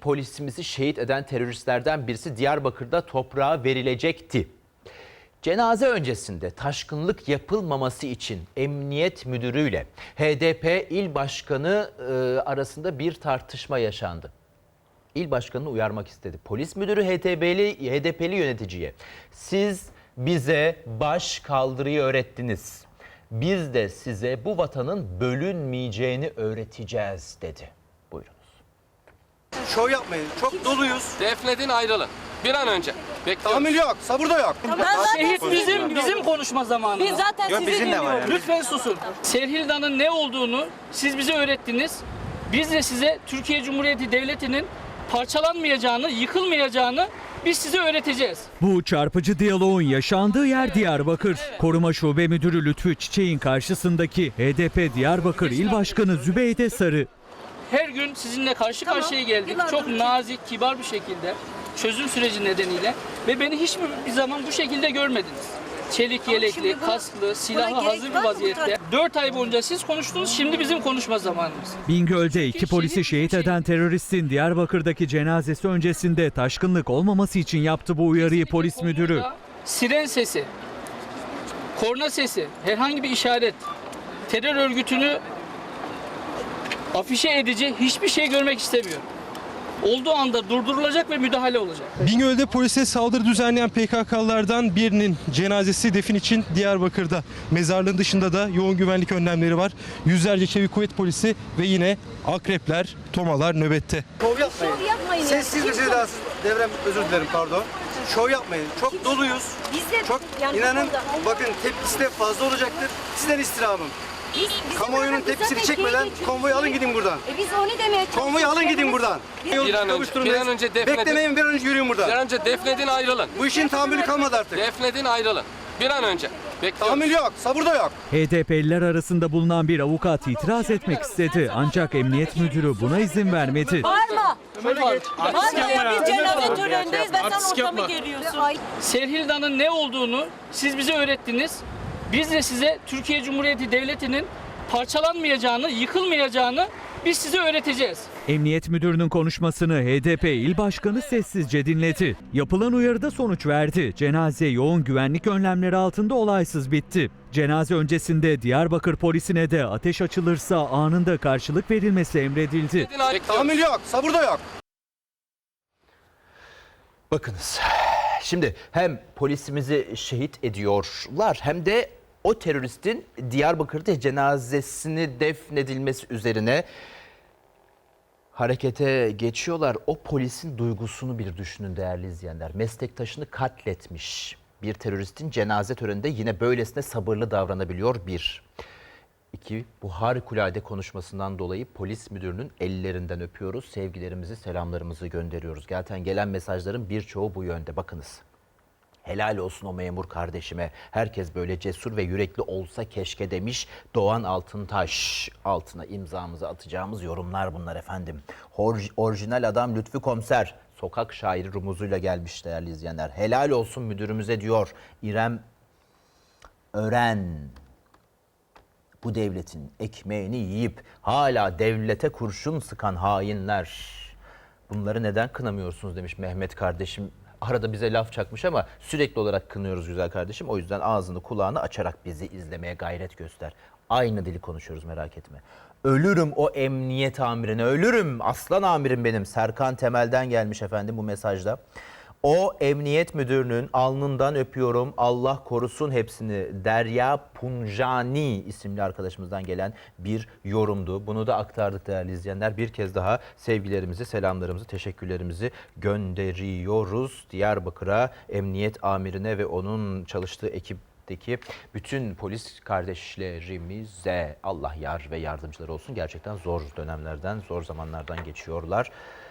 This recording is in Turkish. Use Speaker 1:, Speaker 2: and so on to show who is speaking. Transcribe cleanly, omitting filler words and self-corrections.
Speaker 1: polisimizi şehit eden teröristlerden birisi Diyarbakır'da toprağa verilecekti. Cenaze öncesinde taşkınlık yapılmaması için Emniyet Müdürü'yle HDP İl Başkanı arasında bir tartışma yaşandı. İl Başkanı'nı uyarmak istedi. Polis müdürü HDP'li yöneticiye "Siz bize baş kaldırıyı öğrettiniz. Biz de size bu vatanın bölünmeyeceğini öğreteceğiz" dedi. Buyurunuz.
Speaker 2: Şov yapmayın. Çok doluyuz.
Speaker 3: Defnedin, ayrılın. Bir an önce. Bekliyoruz.
Speaker 2: Tahammül yok. Sabır da yok.
Speaker 4: Şehit bizim konuşma zamanı.
Speaker 5: Biz zaten
Speaker 2: Yok,
Speaker 5: sizi
Speaker 2: bizim de var
Speaker 5: dinliyoruz.
Speaker 2: yani.
Speaker 4: Lütfen susun. Serhilda'nın ne olduğunu siz bize öğrettiniz. Biz de size Türkiye Cumhuriyeti Devleti'nin parçalanmayacağını, yıkılmayacağını biz size öğreteceğiz.
Speaker 6: Bu çarpıcı diyaloğun yaşandığı yer Diyarbakır. Koruma Şube Müdürü Lütfü Çiçek'in karşısındaki HDP Diyarbakır İl Başkanı Zübeyde Sarı.
Speaker 4: Her gün sizinle karşı karşıya geldik. Çok nazik, kibar bir şekilde, çözüm süreci nedeniyle ve beni hiçbir zaman bu şekilde görmediniz. Çelik yelekli, kasklı, silahı hazır bir vaziyette. 4 ay boyunca siz konuştunuz, şimdi bizim konuşma zamanımız.
Speaker 6: Bingöl'de 2 polisi şehit eden teröristin Diyarbakır'daki cenazesi öncesinde taşkınlık olmaması için yaptı bu uyarıyı polis müdürü.
Speaker 4: Siren sesi, korna sesi, herhangi bir işaret, terör örgütünü afişe edici hiçbir şey görmek istemiyor. Olduğu anda durdurulacak ve müdahale olacak.
Speaker 2: Bingöl'de polise saldırı düzenleyen PKK'lılardan birinin cenazesi defin için Diyarbakır'da. Mezarlığın dışında da yoğun güvenlik önlemleri var. Yüzlerce çevik kuvvet polisi ve yine akrepler, tomalar nöbette. Şov yapmayın.
Speaker 5: Şov yapmayın.
Speaker 2: Sessiz bir sedasız devrem, özür dilerim pardon. Şov yapmayın. Çok doluyuz.
Speaker 5: Biz de
Speaker 2: Çok
Speaker 5: yani
Speaker 2: inanın
Speaker 5: bu konuda-
Speaker 2: bakın tepkisi de fazla olacaktır. Sizden istirhamım.
Speaker 5: Bizim
Speaker 2: Kamuoyunun
Speaker 5: zaten
Speaker 2: tepkisini
Speaker 5: zaten
Speaker 2: çekmeden
Speaker 5: keyfi-
Speaker 2: konvoyu alın gidin buradan.
Speaker 5: Biz onu demeye çalışıyoruz.
Speaker 2: Konvoyu alın gidin buradan.
Speaker 3: Bir an önce defnedin.
Speaker 2: Beklemeyin, bir an önce yürüyün
Speaker 3: Bir
Speaker 2: buradan.
Speaker 3: an önce defnedin, ayrılın.
Speaker 2: Bu işin tahammülü kalmadı artık.
Speaker 3: Defnedin, ayrılın. Bir an önce. Bekliyoruz.
Speaker 2: Tahammül yok, sabır da yok.
Speaker 6: HDP'liler arasında bulunan bir avukat itiraz etmek istedi ancak emniyet müdürü buna izin vermedi.
Speaker 5: Bağırma.
Speaker 4: Bağırma
Speaker 5: Ya biz cenaze törenindeyiz ve sen ortamı geriyorsun. Ay,
Speaker 4: Serhilda'nın ne olduğunu siz bize öğrettiniz. Biz de size Türkiye Cumhuriyeti Devleti'nin parçalanmayacağını, yıkılmayacağını biz size öğreteceğiz.
Speaker 6: Emniyet müdürünün konuşmasını HDP İl Başkanı sessizce dinledi. Yapılan uyarıda sonuç verdi. Cenaze yoğun güvenlik önlemleri altında olaysız bitti. Cenaze öncesinde Diyarbakır polisine de ateş açılırsa anında karşılık verilmesi emredildi.
Speaker 3: Defnedin, ayrılın.
Speaker 2: Tahammül yok, sabır da yok.
Speaker 1: Bakınız, şimdi hem polisimizi şehit ediyorlar hem de o teröristin Diyarbakır'da cenazesini defnedilmesi üzerine harekete geçiyorlar. O polisin duygusunu bir düşünün değerli izleyenler. Meslektaşını katletmiş bir teröristin cenaze töreninde yine böylesine sabırlı davranabiliyor bir. İki, bu harikulade konuşmasından dolayı polis müdürünün ellerinden öpüyoruz. Sevgilerimizi, selamlarımızı gönderiyoruz. Gelen mesajların birçoğu bu yönde. Bakınız. Helal olsun o memur kardeşime. Herkes böyle cesur ve yürekli olsa keşke demiş Doğan Altıntaş. Altına imzamızı atacağımız yorumlar bunlar efendim. Orijinal adam Lütfü Komiser. Sokak şairi rumuzuyla gelmiş değerli izleyenler. Helal olsun müdürümüze diyor İrem Ören. Bu devletin ekmeğini yiyip hala devlete kurşun sıkan hainler. Bunları neden kınamıyorsunuz demiş Mehmet kardeşim. Arada bize laf çakmış ama sürekli olarak kınıyoruz güzel kardeşim. O yüzden ağzını kulağını açarak bizi izlemeye gayret göster. Aynı dili konuşuyoruz merak etme. Ölürüm o emniyet amirine, ölürüm. Aslan amirim benim. Serkan Temel'den gelmiş efendim bu mesajda. O emniyet müdürünün alnından öpüyorum. Allah korusun hepsini. Derya Punjani isimli arkadaşımızdan gelen bir yorumdu. Bunu da aktardık değerli izleyenler. Bir kez daha sevgilerimizi, selamlarımızı, teşekkürlerimizi gönderiyoruz. Diyarbakır'a, emniyet amirine ve onun çalıştığı ekipteki bütün polis kardeşlerimize Allah yar ve yardımcıları olsun. Gerçekten zor dönemlerden, zor zamanlardan geçiyorlar.